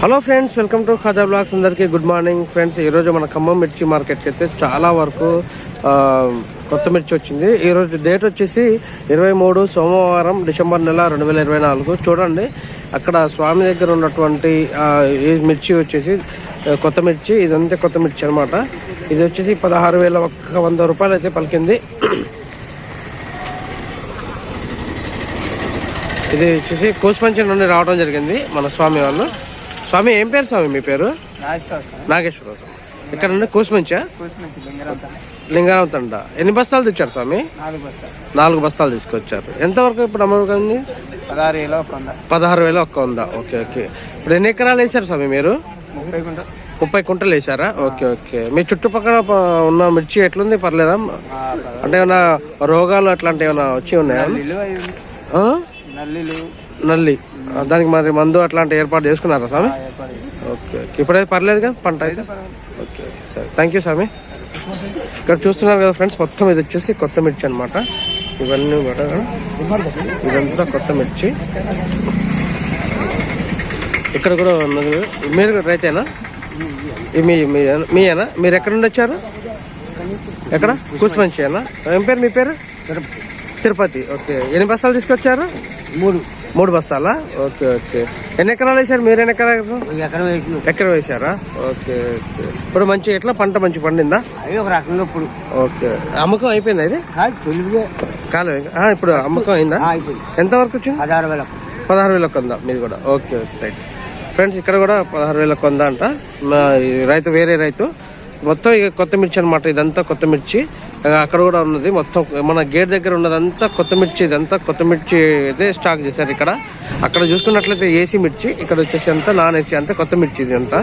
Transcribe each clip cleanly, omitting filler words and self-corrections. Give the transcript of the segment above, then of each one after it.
Hello friends, welcome to Khaja blogs. అందరికీ good morning friends. ఈరోజు మన ఖమ్మం మిర్చి మార్కెట్కి అయితే చాలా వరకు కొత్త మిర్చి వచ్చింది. ఈరోజు డేట్ వచ్చేసి 23 సోమవారం డిసెంబర్ నెల 2024. చూడండి, అక్కడ స్వామి దగ్గర ఉన్నటువంటి ఈ మిర్చి వచ్చేసి కొత్త మిర్చి. ఇదంతా కొత్త మిర్చి అనమాట. ఇది వచ్చేసి 16,100 రూపాయలు అయితే పలికింది. ఇది వచ్చేసి కోసుపంచి నుండి రావడం జరిగింది మన స్వామి వాళ్ళు. స్వామి, ఏం పేరు స్వామి మీ పేరు? నాగేశ్వరరావు. ఇక్కడ నుండి కోసుమంచా? లింగారావు తండ. ఎన్ని బస్తాలు తెచ్చారు స్వామి? 4 బస్తాలు తీసుకొచ్చారు. ఎంతవరకు ఇప్పుడు అమ్మకండి? 16,100. Okay okay. ఇప్పుడు ఎన్ని ఎకరాలు వేసారు స్వామి మీరు? 30 కుంటలు వేసారా? Okay okay. మీ చుట్టుపక్కల ఉన్న మిర్చి ఎట్లుంది? పర్లేదా? అంటే ఏమైనా రోగాలు అట్లాంటివి ఏమైనా వచ్చి ఉన్నాయా? నల్లి, దానికి మరి మందు అట్లాంటి ఏర్పాటు చేసుకున్నారా స్వామి? Okay okay. ఇప్పుడైతే పర్లేదు కదా పంట అయితే? ఓకే సరే, థ్యాంక్ యూ స్వామి. ఇక్కడ చూస్తున్నారు కదా ఫ్రెండ్స్, మొత్తం ఇది వచ్చేసి కొత్త మిర్చి అనమాట. ఇవన్నీ కూడా ఇదంతా కొత్త మిర్చి. ఇక్కడ కూడా ఉన్నది. మీరు రైతేనా? మీయేనా? మీరు ఎక్కడ నుండి వచ్చారు? ఎక్కడ? కూసుమంచేనా? ఏం పేరు మీ పేరు? తిరుపతి. ఓకే. ఎన్ని బస్తాలు తీసుకొచ్చారు? 3 బస్తాలా? Okay okay. ఎన్ని ఎకరాలు వేసారు మీరు? ఎన్ని ఎకరం వేసారా? Okay okay. ఇప్పుడు మంచి ఎట్లా పంట మంచి పండిందా? ఒక రకంగా ఇప్పుడు. ఓకే. అమ్మకం అయిపోయిందా? ఇది కాలేదు. ఇప్పుడు అమ్మకం అయిందా? ఎంత వరకు వచ్చింది? 16,100 మీది కూడా. Okay okay right. ఫ్రెండ్స్, ఇక్కడ కూడా 16,100 అంట. రైతు వేరే రైతు. మొత్తం ఇక కొత్త మిర్చి అనమాట. ఇదంతా కొత్త మిర్చి. అక్కడ కూడా ఉన్నది మొత్తం. మన గేట్ దగ్గర ఉన్నదంతా కొత్త మిర్చి. ఇదంతా కొత్త మిర్చి అయితే స్టాక్ చేశారు ఇక్కడ. అక్కడ చూసుకున్నట్లయితే ఏసీ మిర్చి, ఇక్కడ వచ్చేసి అంతా నాన్ ఏసీ, అంతా కొత్త మిర్చి ఇది అంతా.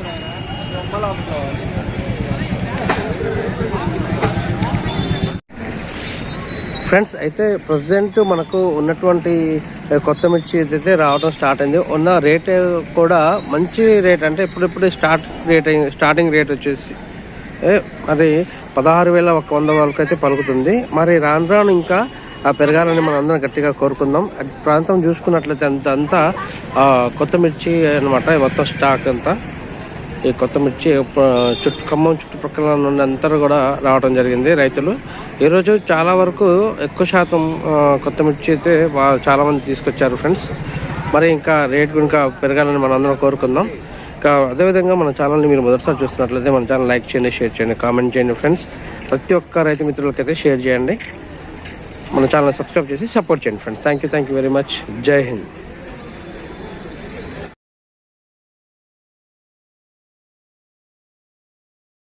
ఫ్రెండ్స్, అయితే ప్రజెంట్ మనకు ఉన్నటువంటి కొత్త మిర్చి అయితే రావడం స్టార్ట్ అయింది. ఉన్న రేట్ కూడా మంచి రేట్. అంటే ఇప్పుడిప్పుడు స్టార్టింగ్ రేట్ వచ్చేసి అది 16,100 వరకు అయితే పలుకుతుంది. మరి రాను రాను ఇంకా పెరగాలని మనం అందరం గట్టిగా కోరుకుందాం. ప్రాంతం చూసుకున్నట్లయితే అంతా కొత్త మిర్చి అనమాట. మొత్తం స్టాక్ అంతా ఈ కొత్త మిర్చి ఖమ్మం చుట్టుపక్కల నుండి అంతా కూడా రావడం జరిగింది రైతులు. ఈరోజు చాలా వరకు ఎక్కువ శాతం కొత్త మిర్చి అయితే చాలా మంది తీసుకొచ్చారు ఫ్రెండ్స్. మరి ఇంకా రేట్ ఇంకా పెరగాలని మనం అందరం కోరుకుందాం. ఇంకా అదేవిధంగా మన ఛానల్ని మీరు మొదటిసారి చూస్తున్నట్లయితే మన ఛానల్ లైక్ చేయండి, షేర్ చేయండి, కామెంట్ చేయండి ఫ్రెండ్స్. ప్రతి ఒక్క రైతు మిత్రులకైతే షేర్ చేయండి. మన ఛానల్ సబ్స్క్రైబ్ చేసి సపోర్ట్ చేయండి friends. Thank you very much. జై హింద్.